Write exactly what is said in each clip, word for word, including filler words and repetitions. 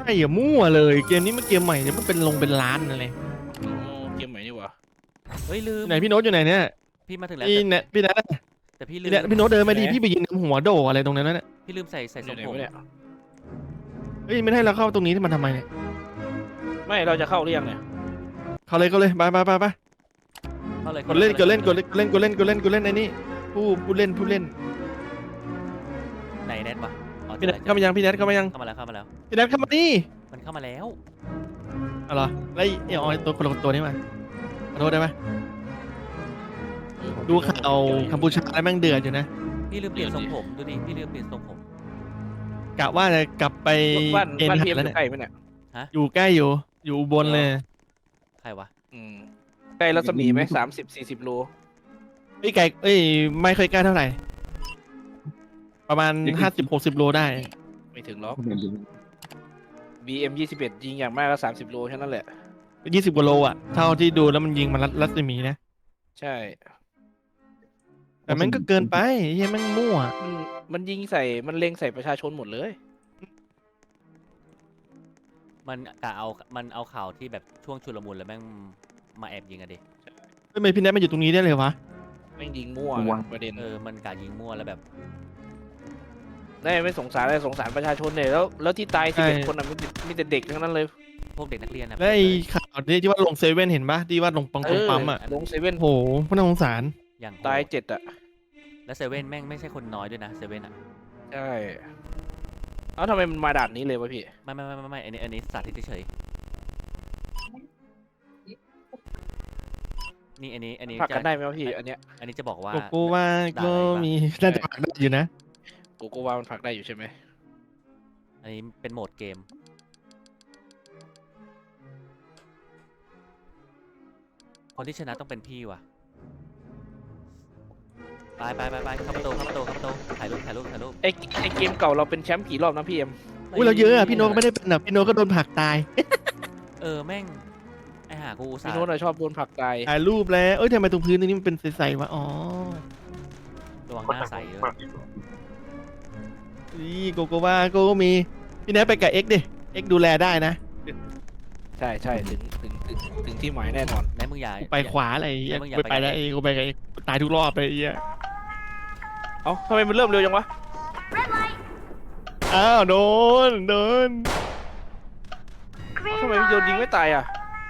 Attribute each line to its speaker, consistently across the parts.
Speaker 1: ช่อย่ามั่วเลยเกมนี้มันเกมใหม่เนี่ยมันเป็นลงเป็นล้านอะไร
Speaker 2: โอ้เกมใหม่นี่หว่า
Speaker 3: เฮ้ยลืม
Speaker 1: ไหนพี่โน้ตอยู่ไหนเนี่ย
Speaker 3: พี่มาถึงแล้ว
Speaker 1: พี่
Speaker 3: แต่
Speaker 1: เนี่ยพี่นัท
Speaker 3: แต่พี่ลื
Speaker 1: พี่
Speaker 3: ม
Speaker 1: เนี่ยพี่โน้ตเดินมาดิพี่ไปยืนหัวโดอะไรตรงนั้นน่ะ
Speaker 3: พี่ลืมใส่ใส่ท
Speaker 2: อ
Speaker 3: ร
Speaker 2: ยู่
Speaker 3: ง
Speaker 2: ไหน
Speaker 3: ผม
Speaker 2: วะเนี่ย
Speaker 1: เฮ้ยไม่ให้เราเข้าตรงนี้ที่มันทำไมเนี่ย
Speaker 2: ไม่เราจะเข้าหรือยังเนี่ย
Speaker 1: เข้าเลยเข้าเลยไปไปไปไป
Speaker 3: เข้าเลย
Speaker 1: กดเล่นกดเล่นกดเล่นกดเล่นกดเล่นกดเล่นกดเล่นไอ้นี่ผู้ผู้เล่นผู้เล่น
Speaker 3: ไหนแนทวะอ๋อ
Speaker 1: พี่
Speaker 3: เจ
Speaker 1: นั
Speaker 3: อ
Speaker 1: ท
Speaker 3: แล้ว
Speaker 1: เข้ามายังพี่นัทเข้ามายัง
Speaker 3: เข้ามาแล้วเข้ามาแล้ว
Speaker 1: พี่นัทเข้ามาดิ
Speaker 3: มันเข้ามาแล้ว
Speaker 1: เอาเหรอแล้วไอ้ไอ้ออยตัวคนละตัวนี้มาขอโทษได้ไหมดูข่าวกัมพูชาแล้วแม่งเดือดอยู่นะ
Speaker 3: พี่ลืมเปลี่ยนทรงผมดูดิพี่ลืมเปลี่ยนทรงผม
Speaker 1: กะว่าจะกลับไป
Speaker 2: บ้าน
Speaker 1: เอ็น
Speaker 2: บ้าน
Speaker 1: หั
Speaker 2: พี
Speaker 1: ด
Speaker 2: เอ็ม
Speaker 1: แล้ว
Speaker 2: อ
Speaker 1: เนี่ย
Speaker 2: ยู่ใกล้ไหมเนี่ย
Speaker 1: อยู่ใกล้อยู่อยู่อุบนเลย
Speaker 3: ใครวะ
Speaker 2: อืมใกล้รัศมีไหมสามสิบสี่สิบโล
Speaker 1: ไอ้ไก่เอ้ยไม่เคยใกล้เท่าไหร่ ประมาณห้าสิบหกสิบโลได้
Speaker 2: ไม่ถึงหรอก บี เอ็ม ยี่สิบเอ็ดยิงอย่างมากก็สามสิบโลแค่นั้นแหละ
Speaker 1: ยี่สิบกว่าโลอ่ะเท่าที่ดูแล้วมันยิงมันรัดรัศมีนะ
Speaker 2: ใช่
Speaker 1: แต่มันก็เกินไปเฮ้ยแม่งมั่ว
Speaker 2: มันมันยิงใส่มันเล็งใส่ประชาชนหมดเลย
Speaker 3: มันกะเอามันเอาข่าวที่แบบช่วงชุลมุนแล้วแม่งมาแอบยิงอะดิ
Speaker 1: ทำไมพี่แนทมาอยู่ตรงนี้ได้เลยวะ
Speaker 2: แม่งยิงมั่ว
Speaker 4: มั่ว
Speaker 2: ประเด็น
Speaker 3: เออมันกะยิงมั่วแล้วแบบ
Speaker 2: ได้ไม่สงสารเลยสงสารประชาชนเลยแล้วแล้วที่ตายสิบเอ็ดคนอ่ะมีแต่มีแต่เด็กทั้งนั้นเลย
Speaker 3: พวกเด็กนักเรียนนะ
Speaker 1: แล้วไอ้ข่าวที่ที่ว่าลงเซเว่นเห็นปะที่ว่าลงปัง
Speaker 2: เอ
Speaker 1: ตรง
Speaker 2: อ
Speaker 1: ปั๊มอ่ะ
Speaker 2: ลงเซเว่น
Speaker 1: โอ้โหพน่าสงสาร
Speaker 3: อย่างโหด
Speaker 2: ตายเจ็ดอ่ะ
Speaker 3: แล้วเซเว่นแม่งไม่ใช่คนน้อยด้วยนะเซเว่นอะ
Speaker 2: ใช่เอ้าทำไมมันมาด่านนี้เลยวะพี่
Speaker 3: ไม่ไม่ไม่ไม่ไม่อันนี้อันนี้สาธิตเฉยๆนี่อันนี้อันนี้
Speaker 2: ผลัก
Speaker 3: จะ
Speaker 2: กันได้ไหมวะพี่อันเนี้ย
Speaker 3: อันนี้จะบอกว่า
Speaker 1: โกโก้ว่าก็มีน่าจะปักได้อยู่นะ
Speaker 2: โกโกวามันผลักได้อยู่ใช่ไหม
Speaker 3: อันนี้เป็นโหมดเกม คนที่ชนะต้องเป็นพี่ว่ะ ไปไปไปไปเข้าประตูเข้าประตูเข้าประตูถ่ายรูปถ่ายรูปถ่ายรูป
Speaker 2: ไอไอเกมเก่าเราเป็นแชมป์กี่รอบนะพี่เอ็ม
Speaker 1: อุ้ยเราเยอะอ่ะพี่โน้ตก็ไม่ได้เป็นอ่ะพี่โน้ตก็โดนผลักตาย
Speaker 3: เออแม่ง ไอหากูอุตส่า
Speaker 2: พี่
Speaker 3: ห์
Speaker 2: โน้ตอะชอบโดนผลักตาย
Speaker 1: ถ่ายรูปแล้วเอ้ยทำไมตรงพื้นตรงนี้มันเป็นใสๆวะอ๋อ
Speaker 3: ระวังหน้าใสเลย
Speaker 1: นี่โกโก้ว่าโกโก้มีพี่แนทไปกับเอ็กดิเอ็กดูแลได้นะ
Speaker 2: ใช่ใช่ถึงถึงถึงถึงที่หมายแน่นอน
Speaker 3: ไหนมึงอย่า
Speaker 1: กูไปขวาอะไรเงี้ย
Speaker 3: แล้วมึงอย่า
Speaker 1: ไป
Speaker 3: ไป
Speaker 1: ไปแล้วเองกูไปกับเอ็กตายทุกรอบไปเงี้ย
Speaker 2: เอ้าทำไมมันเริ่มเร็วจังวะ
Speaker 1: อ้าวโดนโดน
Speaker 2: เอ้าทำไมมันโยนยิงไม่ตายอ่ะ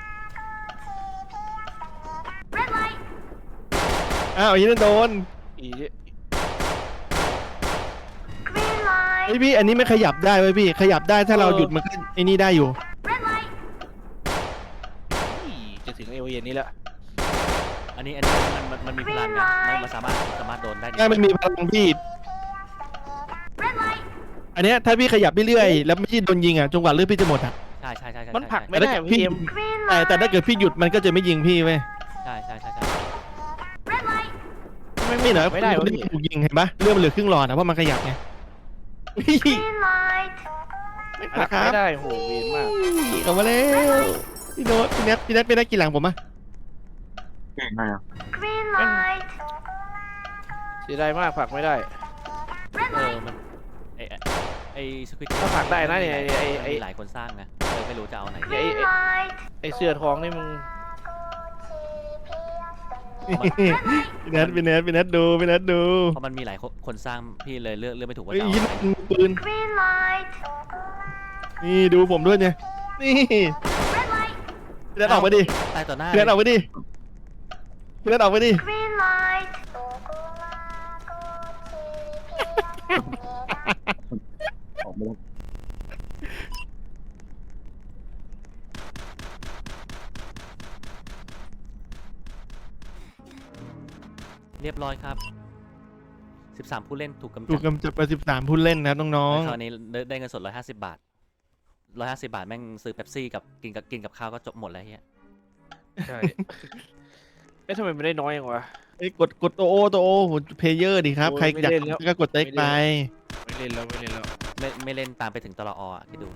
Speaker 1: อ้าวยี่นั่นโดน
Speaker 2: อี
Speaker 1: ไอพี่อันนี้ไม่ขยับได้ไว้ยพี่ขยับได้ถ้าเราหยุดมันก็ไอ้นี่ได้อยู่
Speaker 2: อีจะถึงเอเย็นนี้แล้ว
Speaker 3: อันนี้อันนี้มันมันมันมีพลังไงมันมันสามารถสามารถโดนได้ดิ
Speaker 1: ได้มันมีพลังพี่อันเนี้ยถ้าพี่ขยับเรื่อยๆแล้วไม่ใช่โดนยิงอ่ะจนกว่าเลือดพี่จะหมดอ่ะ
Speaker 3: ใช่ใช่ใช่ใช่
Speaker 2: มันผลัก
Speaker 3: ใช่
Speaker 2: ไม่ได้
Speaker 1: แต่ถ้า
Speaker 2: พี่เอ็ม
Speaker 1: แต่แต่ถ้าเกิดพี่หยุดมันก็จะไม่ยิงพี่เว้ย
Speaker 3: ใช่ใช่ใช่ใช่
Speaker 2: ไม่
Speaker 1: ไม่เหรอ
Speaker 2: ไม่ได้
Speaker 1: คน
Speaker 2: วะ
Speaker 1: ที่
Speaker 2: พี่
Speaker 1: ถูกยิงเห็นปะเลือดมันเหลือครึ่งหลอดนะเพราะมันขยับไง
Speaker 2: ไม่ผลักไม่ได้โหเวียนมาก
Speaker 1: กลับมาแล้วพี่โน้ตพี่แนทพี่แนทเป็นนักกีฬาผมอ่ะ
Speaker 4: เก่งไงอ่ะ
Speaker 2: เสียดายมากผลักไม่ได้
Speaker 3: เออมันไอไอ้ไอสควิต
Speaker 2: ถ้าผลักได้นะเนี่ยไอ้ไอ้ไอ้
Speaker 3: มีหลายคนสร้างนะเลยไม่รู้จะเอาไหน
Speaker 2: ไอไอ้ไอเสื้อทองนี่มึง
Speaker 1: พี่แนทพี่แนทพี่แนทดูพี่แนทดู
Speaker 3: เพราะมันมีหลายคนคนสร้างพี่เลยเลือกเลือกไม่ถูกว่า
Speaker 1: เฮ้ย
Speaker 3: จะเอา
Speaker 1: ยิง
Speaker 3: ไหน
Speaker 1: มือปืนนี่ดูผมด้วยเนี่ยนี่พี่แนทออกมาดิ
Speaker 3: ตายต่อหน้า
Speaker 1: พี่แนทออกมาดิพี่แนทออกมาดิ
Speaker 4: ออกไม่ได้
Speaker 3: เรียบร้อยครับสิบสามผู้เล่นถูกกำ
Speaker 1: ถู
Speaker 3: จั
Speaker 1: ก
Speaker 3: ด
Speaker 1: กำจัดไปสิบสามผู้เล่นนะครับน้อง
Speaker 3: คราวนี้ได้ได้เงินสดร้อยห้าสิบบาทร้อยห้าสิบบาทแม่งซื้อเป๊ปซี่กับกินกับกินกับข้าวก็จบหมดแล้วเฮีย
Speaker 2: ใช่เอ๊ะทำไมมันได้น้อยอย่างวะ
Speaker 1: ๆเอ้ยกดกดตัวโอตัวโอเพลเยอร์ดิครับ
Speaker 2: โอ้ย
Speaker 1: ใครอยาก
Speaker 2: ไม่เล่นแล้ว
Speaker 1: ก็กดเต็กไป
Speaker 2: ไม่เล่นแล้วไม่เล่นแล้ว
Speaker 3: ไม่ไม่เล่นตามไปถึงตลออ่ะคิดดู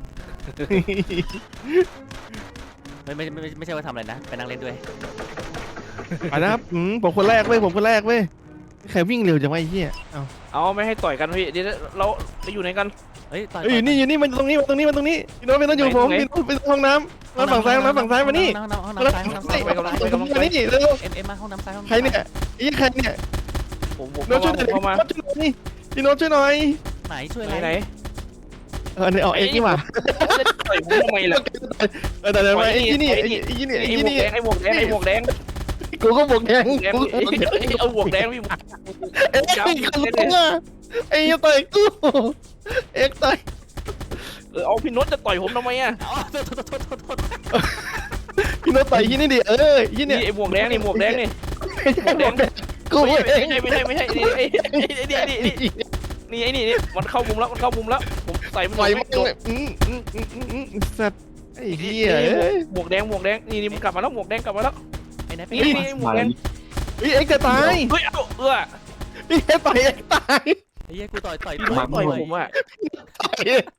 Speaker 3: ไม่ไม่ไม่ไม่ไม่ใช่ว่าทำอะไรนะไปนั่งเล่นด้วย
Speaker 1: ไปนะครับอืมผมคนแรกเว้ยผมคนแรกเว้ยใครวิ่งเร็วจังวะไอ้เหี้ยเอ้า
Speaker 2: เอาไม่ให้ต่อยกันพี่เดี๋ยวเราไปอยู่ไหนกัน
Speaker 3: เฮ้ยต่อย
Speaker 1: เอ้ยอยู่นี่อยู่นี่มันตรงนี้มันตรงนี้มันตรงนี้พี่โน้ตไม่ต้องอยู่กับผมพี่โน้ตไปห้องน้ำน้ำฝั่งซ้ายน้ำฝั่งซ้ายมานี่
Speaker 3: ห้องน้ำห้องน้ำซ้ายห้องน้ำซ้าย
Speaker 2: ไปกำลังไปกำลัง
Speaker 1: มานี่เร็ว
Speaker 3: เอ็มเอ็มมาห้องน้ำซ้ายห้องน้ำ
Speaker 1: ใครเนี่ยไอ้ใครเนี่ย
Speaker 2: ผมผม
Speaker 1: โน้ตช่วยหน่อย
Speaker 2: เข้ามา
Speaker 1: ช่วยหน่อยนี่พี่โน้ตช่วยหน่อย
Speaker 3: ไหนช่วย
Speaker 2: ไหน
Speaker 3: อะไร
Speaker 2: ไหน
Speaker 1: เออเนี่ยเอาเอ็กนี่มา
Speaker 2: จะต่อยผมทำไมล่ะ
Speaker 1: เออแต่เดี๋ยวมาไอ้ที่นี่ไอ้ที่นี่
Speaker 2: ไอ้
Speaker 1: ไอ้
Speaker 2: หม
Speaker 1: ที่
Speaker 2: วก
Speaker 1: นี่
Speaker 2: แดงไอ้หมวกแดงไอ้หมวกแดง
Speaker 1: กูก็บอกแดง
Speaker 2: แดง
Speaker 1: กูก็บอกแดง
Speaker 2: เอาหมวกแดงพี่
Speaker 1: เอ็กซ์ไอ้คนรู้ว่าไอ้ต่อยกูเอ็กซ์ต่อย
Speaker 2: เออเอาพี่นุชจะต่อยผมทำไมอ่ะ
Speaker 3: อ๋อโทษโทษโทษโทษโทษ
Speaker 1: พี่โน้ตต่อยที่นี่ดิเออที่
Speaker 2: นี่
Speaker 1: นี่
Speaker 2: ไอ้หมวกแดงนี่หมวกแดงนี่
Speaker 1: ไม่ใช่แดงกู
Speaker 2: ไม่
Speaker 1: เอ
Speaker 2: ใช่
Speaker 1: ง
Speaker 2: ไม่ใช่ไม่ใช่นี่ไอ้นี่นี่นี่นี่ไอ้นี่นี่มันเข้ามุมแล้วมันเข้ามุมแล้วผมใส่มัน
Speaker 1: ต่อย
Speaker 2: ไม่
Speaker 1: มัน
Speaker 2: โดน
Speaker 1: เลยอืมอืมอืมอืมอืมสัตว์ไอ้เหี้ยเอ้ย
Speaker 2: หมวกแดงหมวกแดงนี่นี่มันกลับมาแล้วหมวกแดงกลับมาแล้ว
Speaker 3: ไอ้ไหน
Speaker 2: นี่
Speaker 3: พี่
Speaker 2: นี่หมวก
Speaker 4: มา
Speaker 2: แด
Speaker 4: แล้ว
Speaker 2: ง
Speaker 1: เฮ้ยเอ็กซ์จะตาย
Speaker 2: เฮ้ยเอาเออ
Speaker 1: พี่เอ็กซ์ต่อยเอ็กซ์ตาย
Speaker 3: ไอ้เหี้ยกูต่อยต่อย
Speaker 2: พี่นุชต่อยผมอ่ะ
Speaker 1: ต่อย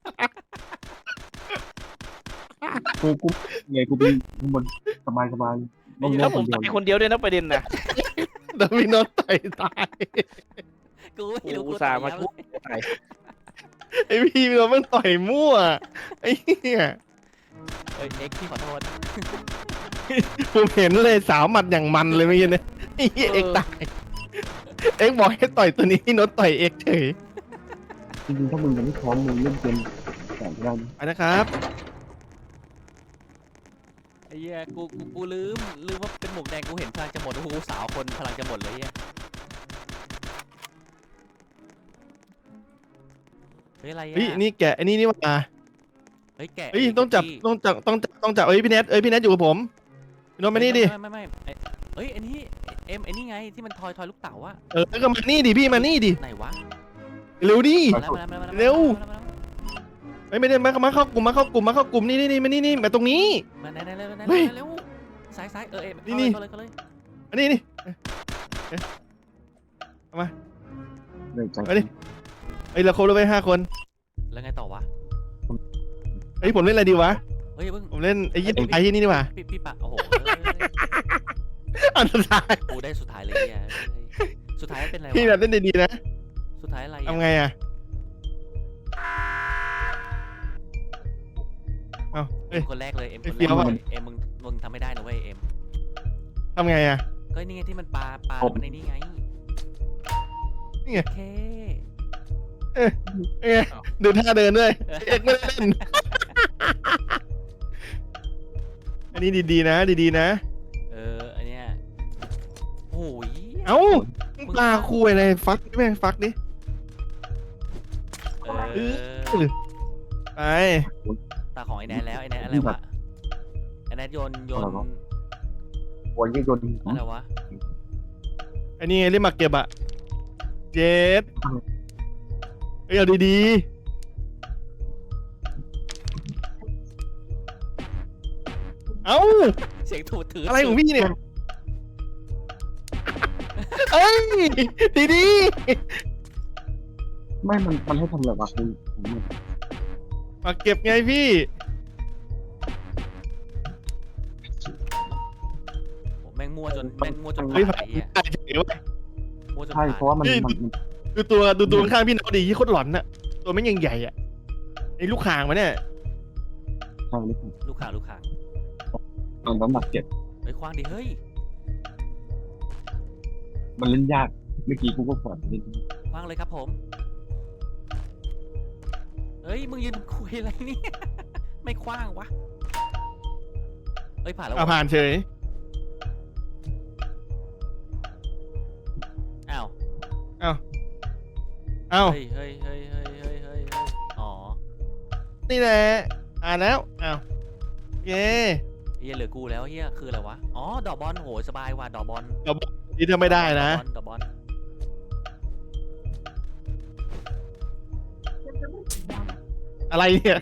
Speaker 4: กูกูไงกูเป็นข้างบนสบายสบายลง
Speaker 2: แล้
Speaker 4: เล่
Speaker 2: วน ผ
Speaker 4: ค
Speaker 2: ม
Speaker 4: นเดียว
Speaker 2: ต่อยคนเดียวด้วยนะประเด็นน่ะ
Speaker 1: แต่พี่โน้ตต่อยตาย
Speaker 3: กูไม่รู้
Speaker 2: อุ
Speaker 3: กู
Speaker 2: ตส่าห์มาช่วยตาย
Speaker 1: ไอ้พี่พี่โน้ตมันต่อยมั่วไอ้เหี้ย
Speaker 3: เอ้ยเอ็กซ์พี่ขอโทษ
Speaker 1: ผมเห็นเลยสาวหมัดอย่างมันเลยเมื่อกี้เนี่ยไอ้เหี้ยเอ็กซ์ตายเอ็กซ์บอกให้ต่อยตัวนี้พี่โน้ตต่อยเอ็กซ์เฉย
Speaker 4: จริงๆถ้ามึงยังไม่พร้อมมึงเล่นเกมแต่งได้นะ
Speaker 1: ไปนะครับ
Speaker 3: ไอ้เหี้ยกูกูกูลืมลืมว่าเป็นหมวกแดงกูเห็นพลังจะหมดโอ้โหสาวคนพลังจะหมดเลยเหี้ยเฮ้ยอะไรอ่ะ
Speaker 1: เฮ้ยนี่แกะไอ้นี่นี่ว่า
Speaker 3: เฮ้ยแกะ
Speaker 1: เฮ้ยต้องจับต้องจับต้องจับต้องจับเอ้ยพี่เน็ตเอ้ยพี่เน็ตอยู่กับผมพี่โน้ตมานี่ดิ
Speaker 3: ไม่ไม่ไม่ไม่เอ้ยไอ้นี่เอ็มไอ้นี่ไงที่มันทอยทอยลูกเต๋าอะ
Speaker 1: เออก็มานี่ดิพี่มานี่ดิ
Speaker 3: ไหนวะ
Speaker 1: เร็วดิ
Speaker 3: มาแล้วมาแล้วมาแล้ว
Speaker 1: เร็ว
Speaker 3: มาแล้ว
Speaker 1: ไม่ไม่ได้มามาเข้ากลุ่มมาเข้ากลุ่มมาเข้ากลุ่มนี่นี่นี่มานี่นี่มาตรงนี้
Speaker 3: มาไหนไหนเร็วไหน
Speaker 1: เฮ้ย
Speaker 3: เร็วซ้ายซ้ายเออเอ็ม
Speaker 1: นี่
Speaker 3: เข้าเลยเข้าเลย
Speaker 1: มานี่นี่เอ๊ะ
Speaker 4: เลยใจ
Speaker 1: มาดิเฮ้ยเราครบแล้วไปห้าคน
Speaker 3: แล้วไงต่อวะ
Speaker 1: เฮ้ยผมเล่นอะไรดีวะ
Speaker 3: เฮ้ยเพิ่ง
Speaker 1: ผมเล่นไอ้ยี่ไอ้ที่นี่ดีกว่า
Speaker 3: พี่พี่ปะโอ้โห
Speaker 1: อันสุดท้าย
Speaker 3: กูได้สุดท้ายเลยเนี่ยสุดท้ายเป็นอะไร
Speaker 1: พี่แบบ
Speaker 3: วะ
Speaker 1: เล่นดีๆนะ
Speaker 3: สุดท้ายอะไร
Speaker 1: ทำไงอ่ะเอ้าเฮ้
Speaker 3: เอ็
Speaker 1: ย
Speaker 3: มคนแรกเลยเอ็มคน
Speaker 1: เฟี้
Speaker 3: แร
Speaker 1: ยว
Speaker 3: ก
Speaker 1: อะ
Speaker 3: เลยเอ็มมึงมึงทำไม่ได้นะเว้ยเอ็ม
Speaker 1: ทำไงอ่ะ
Speaker 3: ก็นี่ไงที่มันปลาปลามันในนี่ไง
Speaker 1: นี่ไง
Speaker 3: โอเค
Speaker 1: เอ้ยดูท่าเดินด้วยเอ็กไม่ได้เล่นอันนี้ดีๆนะดีๆนะ
Speaker 3: เอออันเนี้ยโอ้ย
Speaker 1: เอ้าปลาคุยอะไรฟักแม่งฟักดิ
Speaker 3: เอ
Speaker 1: เอ
Speaker 3: อ
Speaker 1: ไป
Speaker 3: ตาของไอ้แนทแล้วไอ้แนทอะไรวะไอ้แนทโยนโยน
Speaker 4: โอ้ยยังโดน
Speaker 3: อะไรวะ
Speaker 1: อันนี้ไงเล่นหมากเก็บอะเจ็ดเอ้ยเอาดีๆเอ้า
Speaker 3: เสียงถูดถือ
Speaker 1: อะไรของพี่เนี่ยเอ้ยดี
Speaker 4: ไม่มันมันให้ทำอะไรวะคือผม
Speaker 1: ๆหมากเก็บไงพี่
Speaker 3: โอ้แม่งมั่วจนแม่งมั่วจน
Speaker 1: เฮ้ย
Speaker 3: ผ่านไอ้เหี้ย
Speaker 1: ได้เฉยเว้ย
Speaker 3: มั่วจน
Speaker 4: ใช่
Speaker 3: ผ่าน
Speaker 4: เพราะว่ามันมัน
Speaker 1: ดูตัวดูตัวข้างพี่น้องดีที่โคตรหลอนน่ะตัวไม่งยังใหญ่อะไอ้ลูกข่างมาเนี่ย
Speaker 4: ใช่หรือเปล่า
Speaker 3: ลูกข่างลูกข่าง
Speaker 4: ตอนน้ำหนักเก็บ
Speaker 3: เฮ้ยคว้างดิเฮ้ย
Speaker 4: มันเล่นยากเมื่อกี้กูก็ก่อนเล่น
Speaker 3: คว้างเลยครับผมเฮ้ยมึงยืนคุยอะไรเนี่ยไม่คว้างวะเฮ้ยผ่านแล้ว
Speaker 1: เอา
Speaker 3: วะ
Speaker 1: ผ่านเฉย
Speaker 3: อ้าว
Speaker 1: เอ้า
Speaker 3: เฮ้ยเฮ้ยเฮ้ยเฮ้ยเฮ้ยเฮ้ยเฮ้ยอ๋อ
Speaker 1: นี่แหละอ่านแล้วอ้าวเย้
Speaker 3: เฮียเหลือกูแล้วเฮียคืออะไรวะอ๋อดอกบอลโหสบายว่ะดอกบอล
Speaker 1: นี่ทำไม่ได้นะ
Speaker 3: ดอกบอล
Speaker 1: อะไรเนี่ย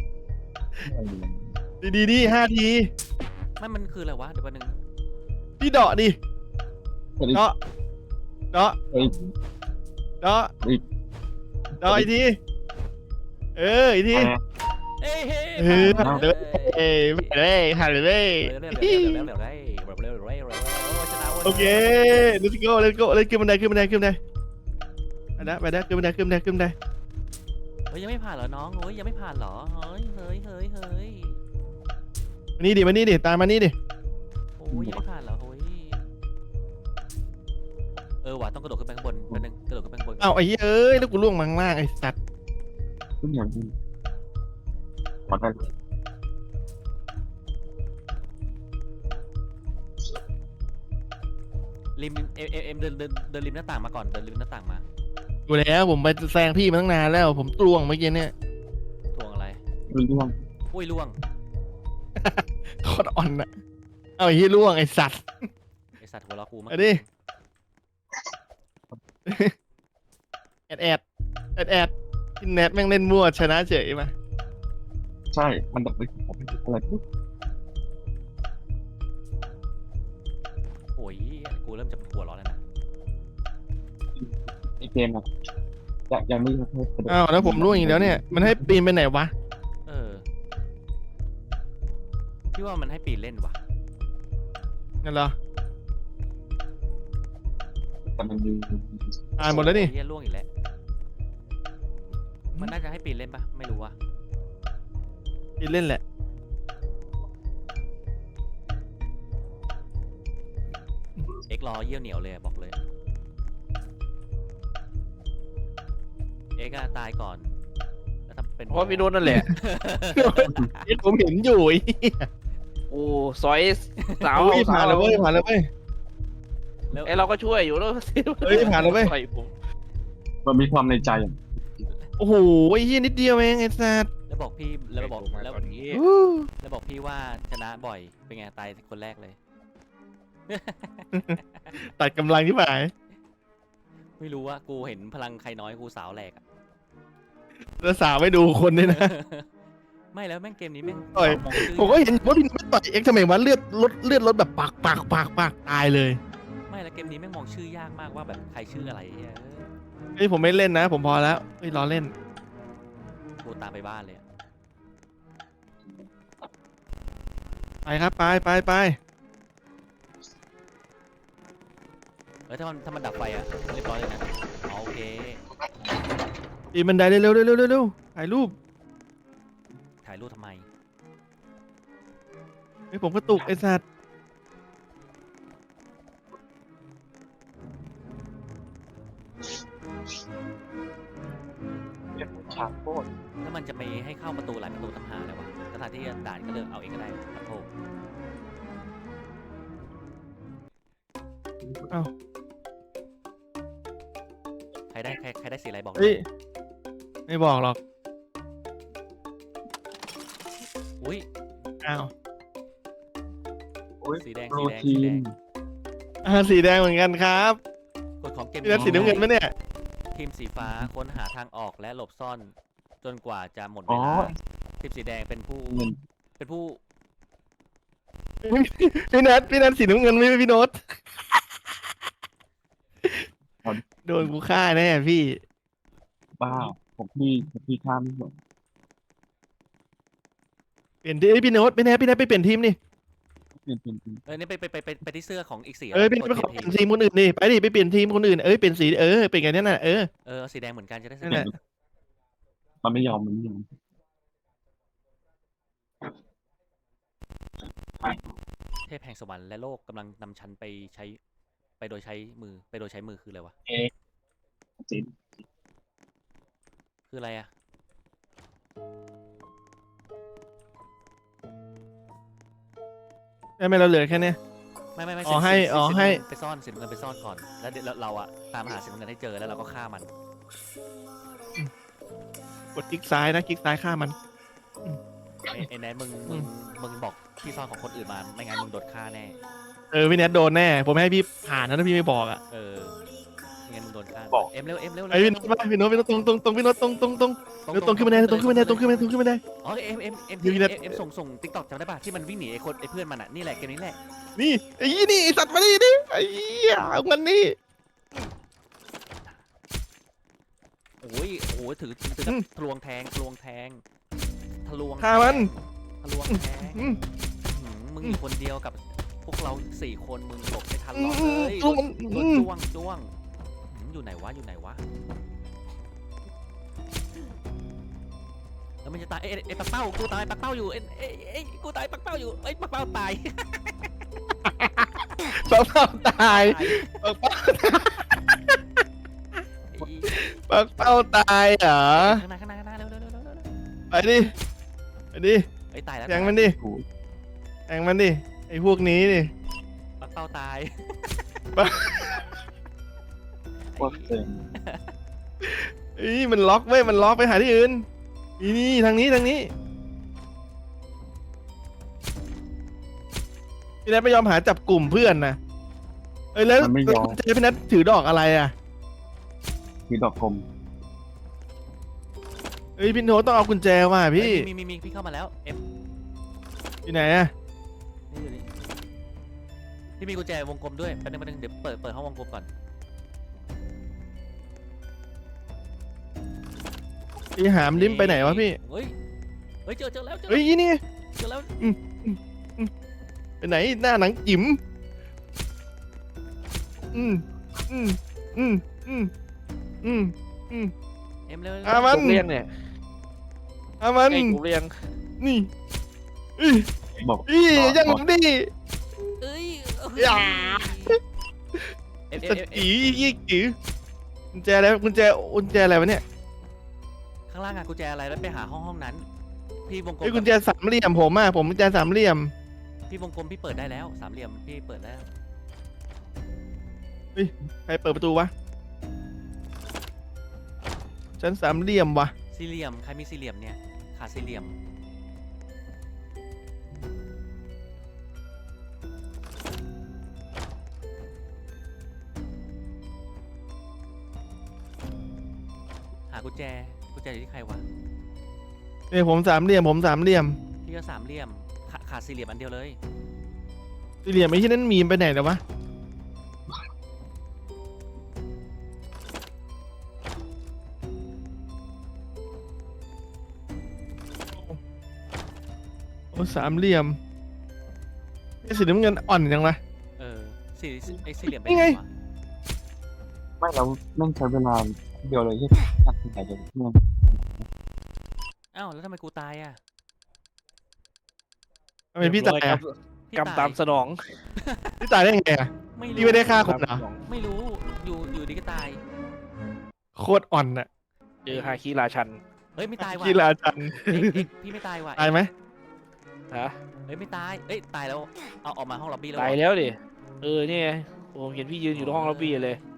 Speaker 1: ดีๆดีห้าที
Speaker 3: ไม่มันคืออะไรวะเดี๋ยวแป๊บนึง
Speaker 1: พี่เดาะดิ
Speaker 4: เฮ้ย
Speaker 1: เดาะเดาะ
Speaker 4: เฮ้ย
Speaker 1: เดาะ
Speaker 4: เฮ้ย
Speaker 1: เดาะอีกทีเอออีกที
Speaker 3: เอ้ยเฮ้ย
Speaker 1: เออ
Speaker 3: ผ่าน
Speaker 1: เดี๋ยวเอ้ยไปเลยผ่านเลย
Speaker 3: เร็วเร็วเร็วเร็วเร็วเร็วเร็วเร็วเร็วเร็วเร็วเร็วชนะเว้ย
Speaker 1: โอเค let's go let's go เลยขึ้นบันไดขึ้นบันไดขึ้นบันไดไปนะไปนะขึ้นบันไดขึ้นบันไดขึ้นบันได
Speaker 3: ฮ้ยยังไม่ผ่านเหรอน้องเฮ้ยยังไม่ผ่านเหรอเฮ้ยเฮ้ยเฮ้ยเฮ้ย
Speaker 1: มานี่ดิมานี่ดิตามมานี่ดิ
Speaker 3: โอ้ยยังไม่ผ่านเหรอเฮ้ยเออว่ะต้องกระโดดขึ้นไปข้างบนแป๊บนึงกระโดดขึ้นไปข้างบน
Speaker 1: เอ้าไอ้เหี้ยเอ้ยแล้วกูล่วงมาข้างล่างไอ้สัตว์
Speaker 4: ทุกอย่างดีขอได้
Speaker 3: ริมเอ็มเอ็มเอ็มเดินเดินเดินริมหน้าต่างมาก่อนเดินริมหน้าต่างมา
Speaker 1: ดูแล้วผมไปแซงพี่มาตั้งนานแล้วผมล่วงเมื่อกี้เนี่ย
Speaker 3: ทวงอะไร
Speaker 4: เรื่อง
Speaker 3: อุ้ยล่วง
Speaker 1: โคตรอ่อนอะเอาไอ้เหี้ยล่วงไอ้สัตว์
Speaker 3: ไอสัตว์หัวเราะกูมา
Speaker 1: เอาดิ แอดแอดแอดแอดกินแนทแม่งเล่นมั่วชนะเฉยมา
Speaker 4: ใช่มันแบบไม่ผมไม่อะไรปุ๊บ
Speaker 3: โอ้ยกูเริ่มจะหัวเร้อนแล้วนะ
Speaker 4: ในเกมอะยังยังไม่ให้กระโดด
Speaker 1: อ้าวแล้วผมล่วงอีกแล้วเนี่ยมันให้ปีนไปไหนวะ
Speaker 3: เออพี่ว่ามันให้ปีนเล่นว่ะ
Speaker 1: นั่นเหรอ
Speaker 4: แต่มันมี
Speaker 1: อ่านหมดแล้วนี่
Speaker 3: เฮียล่วงอีกแล้วมันน่าจะให้ปีนเล่นปะไม่รู้ว่ะ
Speaker 1: ปีนเล่นแหละ
Speaker 3: เอ็กรอเยี่ยวเหนียวเลยอะบอกเลยเอ็กอะตายก่อนแล้วทำเป็น
Speaker 2: เพราะพี่โน้ตนั่นแหละ
Speaker 1: เอ้ยผมเห็นอยู่ไอ้เหี้ย
Speaker 2: โอ้ซอยสาว
Speaker 1: เฮ้ย
Speaker 2: สา
Speaker 1: ผ่าน
Speaker 2: ว
Speaker 1: แล้วเว้ยผ่านแล้วเว้ย
Speaker 3: แล้ว
Speaker 2: ไอเราก็ช่วยอยู่แล้ว
Speaker 1: เฮ้ยผ่านแล้วเว้ย
Speaker 2: ต่อยผม
Speaker 4: มันมีความในใจอะ
Speaker 1: โอ้โหไอ้เหี้ยนิดเดียวเองไอ้สัตว์
Speaker 3: แล้วบอกพี่แล้วบอก
Speaker 2: มา
Speaker 3: แล้ว
Speaker 2: ตอนนี้
Speaker 1: อู้
Speaker 3: แล้วบอกพี่ว่าชนะบ่อยเป็นไงตายคนแรกเลย
Speaker 1: ตัดกำลังที่หมาย
Speaker 3: ไม่รู้ว่ากูเห็นพลังใครน้อยกูสาวแหลกอะ
Speaker 1: แล้วสาวไม่ดูคนด้วยนะ
Speaker 3: ไม่แล้วแม่งเกมนี้แม่ง
Speaker 1: ต่อย
Speaker 3: มองชื่อ
Speaker 1: ผมก็เห็นว่าพี่ไม่ต่อยเอ็กซ์ทำไมวะเลือดลดเลือดลดแบบปากปากปากปากตายเลย
Speaker 3: ไม่แล้วเกมนี้แม่งมองชื่อยากมากว่าแบบใครชื่ออะไรเหี้ย
Speaker 1: เฮ้ยผมไม่เล่นนะ ผมพอแล้วเฮ้ยรอเล่น
Speaker 3: กูตามไปบ้านเลยอะ
Speaker 1: ไปครับไปไปไป
Speaker 3: เออถ้ามันถ้ามันดับไฟอะเรียบร้อยเลยนะอ๋อโอเค
Speaker 1: ปีนบันไดเร็วเร็วเร็วเร็วเร็วเร็วถ่ายรูป
Speaker 3: ถ่ายรูปทำไม
Speaker 1: ไอ้ยผมกระตุกไอ้สัตว์
Speaker 4: ฉากโคตร
Speaker 3: แล้วมันจะไปให้เข้าประตูหลายประตูทำหาเลยวะสถานที่ด่านก็เลือกเอาเองก็ได้ครับโอ้
Speaker 1: เอ้า
Speaker 3: ใครได้ใครใครได้สีอะไรบอก
Speaker 1: เฮ้ยไม่บอกหรอก
Speaker 3: อุ้ย
Speaker 1: อ้าว
Speaker 3: สีแดง
Speaker 4: โปร
Speaker 3: สีแดง
Speaker 4: ตี
Speaker 3: สีแด
Speaker 4: น
Speaker 3: ง
Speaker 1: อ่าสีแดงเหมือนกันครับ
Speaker 3: กฎของเกม
Speaker 1: พี่นัทสีน้ำเงินไหมเนี่ย
Speaker 3: ทีมสีฟ้าค้นหาทางออกและหลบซ่อน จนกว่าจะหมดเว
Speaker 4: อ๋อ
Speaker 3: ลาทีมสีแดงเป็นผู้
Speaker 4: เงิน
Speaker 3: เป็นผู้
Speaker 1: พี่นัทพี่นัทสีน้ำเงินไม่ใช่พี่โน้ตโดนกูฆ่าแน่พี่
Speaker 4: บ้าผมพี่ผมพี่ข้ามไม่หมด
Speaker 1: เปลี่ยนทีมเอ้ยพี่โน้ตพี่แนทพี่แนทไปเปลี่ยนทีมนี่
Speaker 4: เป็นเป็นเป็น
Speaker 3: เออนี่ไปไปไปไปไปที่เสื้อของอีกสี
Speaker 1: เอ้ยพี่
Speaker 3: ก
Speaker 1: โน้
Speaker 3: ด
Speaker 1: ตไปขอ
Speaker 3: เป
Speaker 1: เป
Speaker 3: ลี่
Speaker 1: ลี่
Speaker 3: ย
Speaker 1: ย
Speaker 3: น
Speaker 1: น
Speaker 3: ที
Speaker 1: ทีมคนอื่นนี่ไปดิไปเปลี่ยนทีมคนอื่นเอ้ยเปลี่ยนสีเออเป็นไงเนี่ยน่ะเออ
Speaker 3: เออเอาสีแดงเหมือนกันจะได้ส
Speaker 1: นั่น
Speaker 3: นุ
Speaker 1: แห
Speaker 3: ก
Speaker 1: ละ
Speaker 4: มันไม่ยอมมันไม่ยอม
Speaker 3: เทพแห่งสวรรค์และโลกกำลังนำฉันไปใช้ไปโดยใช้มือไปโดยใช้มือคืออะไรวะ
Speaker 4: จริง
Speaker 3: คืออะไรอะ
Speaker 1: ได้ไหมเราเหลือแค่เนี้ย
Speaker 3: ไม่ไม่ไม่
Speaker 1: อ๋อ
Speaker 3: สี
Speaker 1: ให้
Speaker 3: สี
Speaker 1: อ๋อ
Speaker 3: สี
Speaker 1: ให้
Speaker 3: น้ำเงินไปซ่อนสีน้ำเงินไปซ่อนก่อนแล้วเดี๋ยวเราเราอะตามหาสีน้ำเงินให้เจอแล้วเราก็ฆ่ามัน
Speaker 1: กดคลิกซ้ายนะคลิกซ้ายฆ่ามัน
Speaker 3: ไอ้ไอ้แนทมึงมึงมึงบอกที่ซ่อนของคนอื่นมาไม่งั้นมึงโดนฆ่าแน่
Speaker 1: เออพี่แนทโดนแน่ ผมให้พี่ผ่านนะถ้าพี่ไม่บอกอ่ะ
Speaker 3: เออไม่งั้นมึงโดนฆ่า
Speaker 4: บอก
Speaker 3: เอ็มเร็วเอ็มเร็ว
Speaker 1: ไอ้พี่โน้ตมาพี่โน้ตพี่โน้ตตรงตรงตรงพี่โน้ตตรงตรงตรงเร็วตรงขึ้นมาได้ตรงขึ้นมาได้ตรงขึ้นมาได้ตรงขึ้นมาได้
Speaker 3: อ๋อเอ็มเอ็มเอ็ม
Speaker 1: อยู่ที่ไหน
Speaker 3: เอ็มเอ็มส่งส่งติ๊กต็อกจำได้ป่ะที่มันวิ่งหนีไอ้คนไอ้เพื่อนมันอะนี่แหละเกมนี้แหละ
Speaker 1: นี่ไอ้ยี่นี่ไอ้สัตว์มาดิดิไอ้เหี้ยเอามันนี่
Speaker 3: โอ้ยโอ้ยถือถือถือ
Speaker 1: อืม
Speaker 3: ทะลวงแทงทะลวงแทงทะลวง
Speaker 1: ฆ่ามัน
Speaker 3: ทะลวงแทง
Speaker 1: อืม
Speaker 3: หืมมึงอยู่คนเดียวกับพวกเราสี่คนมึงหลบไม่ทัน
Speaker 1: อื
Speaker 3: หรอก
Speaker 1: ม
Speaker 3: เลย
Speaker 1: สู้มัน
Speaker 3: โด
Speaker 1: อื
Speaker 3: น
Speaker 1: ม
Speaker 3: จ้วงจ้วงหืมอยู่ไหนวะอยู่ไหนวะมันจะตายเอ้ยเอ้ยปักเป้ากูตายปักเป้าอยู่เอ้ยเอ้ยเอ้ยกูตายปักเป้าอยู่เอ้ยปักเป้าตาย
Speaker 1: ปักเป้าตาย
Speaker 3: ตาย
Speaker 1: ปักเป้า
Speaker 3: ไอ้
Speaker 1: ปักเป้าตายเหรอ
Speaker 3: ข้างหน้าข้างหน้าข้างหน้าเร็วเร็วเร็วเร็วเร็ว
Speaker 1: ไปดิไปดิ
Speaker 3: เอ้ยตายแล้ว
Speaker 1: แทงมันดิ
Speaker 4: กู
Speaker 1: แทงมันดิไอ้พวกนี้ดิ
Speaker 3: ปักเป้าตาย
Speaker 4: โคตรเต็ม
Speaker 1: เอ้ยมันล็อกเว้ยมันล็อกไปหาที่อื่นนี่นี่ทางนี้ทางนี้พี่นัทไม่ยอมหาจับกลุ่มเพื่อนนะเอ้ยแล้ว
Speaker 4: มันไม่ยอม
Speaker 1: เจพี่นัทถือดอกอะไรอ่ะ
Speaker 4: มีดอกกลม
Speaker 1: เอ้ยพี่โน้ตต้องเอากุญแจมาพี่
Speaker 3: เอ้ยมีมีมีพี่เข้ามาแล้วเอ็ม
Speaker 1: อยู่ไหนอ่ะ
Speaker 3: นี่อยู่นี่พี่มีกุญแจวงกลมด้วยแป๊บนึงแป๊บนึงเดี๋ยวเปิดเปิดห้องวงกลมก่อน
Speaker 1: พี่หามลิ้มไปไหนวะพี่
Speaker 3: เฮ้ยเฮ้ยเจอเจอแล้วเจอ
Speaker 1: เฮ้ยนี่
Speaker 3: เจอแล้ว
Speaker 1: ไปไหนหน้าหนังจิ๋มอืมอืมอืมอืมอืมอืม
Speaker 3: เอ็มเร็ว
Speaker 1: อ่ะมัน
Speaker 2: กบเลี้ยงเนี่ย
Speaker 1: เอามัน
Speaker 2: ไอ้กบเลี้ยง
Speaker 1: นี่อี
Speaker 4: บอก
Speaker 1: อียังดิ
Speaker 3: เอ้ยเอ้ย
Speaker 1: อย่า
Speaker 3: เอ็ม
Speaker 1: ส
Speaker 3: เอ็มเอ็ม
Speaker 1: ตียี่กีกุญแจอะไรกุญแจกุญแจอะไรวะเนี่ย
Speaker 3: ข้างล่างอะกุญแจอะไรแล้วไปหาห้องห้องนั้น พี่วงกล
Speaker 1: ไอ้
Speaker 3: ม
Speaker 1: กุญแจสามเหลี่ยมผมอ่ะผมกุญแจสามเหลี่ยม
Speaker 3: พี่วงกลมพี่เปิดได้แล้วสามเหลี่ยมพี่เปิดแล้ว
Speaker 1: ใครเปิดประตูวะฉันสามเหลี่ยมวะ
Speaker 3: สี่เหลี่ยมใครมีสี่เหลี่ยมเนี่ยขาดสี่เหลี่ยมหากุญแจกุญแจอยู่ที่ใครวะ
Speaker 1: เนี่ยผมสามเหลี่ยมผมสามเหลี่ยม
Speaker 3: พี่ก็สามเหลี่ยมขาขาดสี่เหลี่ยมอันเดียวเลย
Speaker 1: สี่เหลี่ยมไอ้ที่นั่นมีมไปไหนแล้ววะโอ้สามเหลี่ยมไอ้สีน้ำเงินอ่อนยังวะ
Speaker 3: เออสี่ไอ้สี่เหลี่ยม
Speaker 1: นี่ไง
Speaker 3: วะ
Speaker 4: ไม่เราแม่งใช้เวลาเดียวเลยที่ตัดสินใจเลยเนี่ย
Speaker 3: อ้าวแล้วทำไมกูตายอ่ะ
Speaker 1: ทำไมพี่ตายอ่ะ
Speaker 3: พี่
Speaker 2: กรรมตามสนอง
Speaker 1: พี่ตายได้ไงอ่ะ
Speaker 3: ไม่
Speaker 1: พี่
Speaker 3: รู้
Speaker 1: ไม่ได้ฆ่าคนเหรอ
Speaker 3: ไม่รู้อยู่อยู่ดีก็ตาย
Speaker 1: โคตรอ่อนอ่ะ
Speaker 2: เจอฮาคิราชัน
Speaker 3: เฮ้ยไม่ตายว่ะ
Speaker 1: กีฬาจัน
Speaker 3: เอ็กเอ็กพี่ไม่ตายว่ะ
Speaker 1: ตายไหม
Speaker 2: ฮะ
Speaker 3: เฮ้ยไม่ตายเอ้ยตายแล้วเอาออกมาห้องล็อบบี้แล้ว
Speaker 2: ตาย
Speaker 3: เหรอ
Speaker 2: แล้วดิเออเนี่ยโอ้เห็นพี่ยืนอยู่ในห้องล็อบบี้เลย
Speaker 3: อ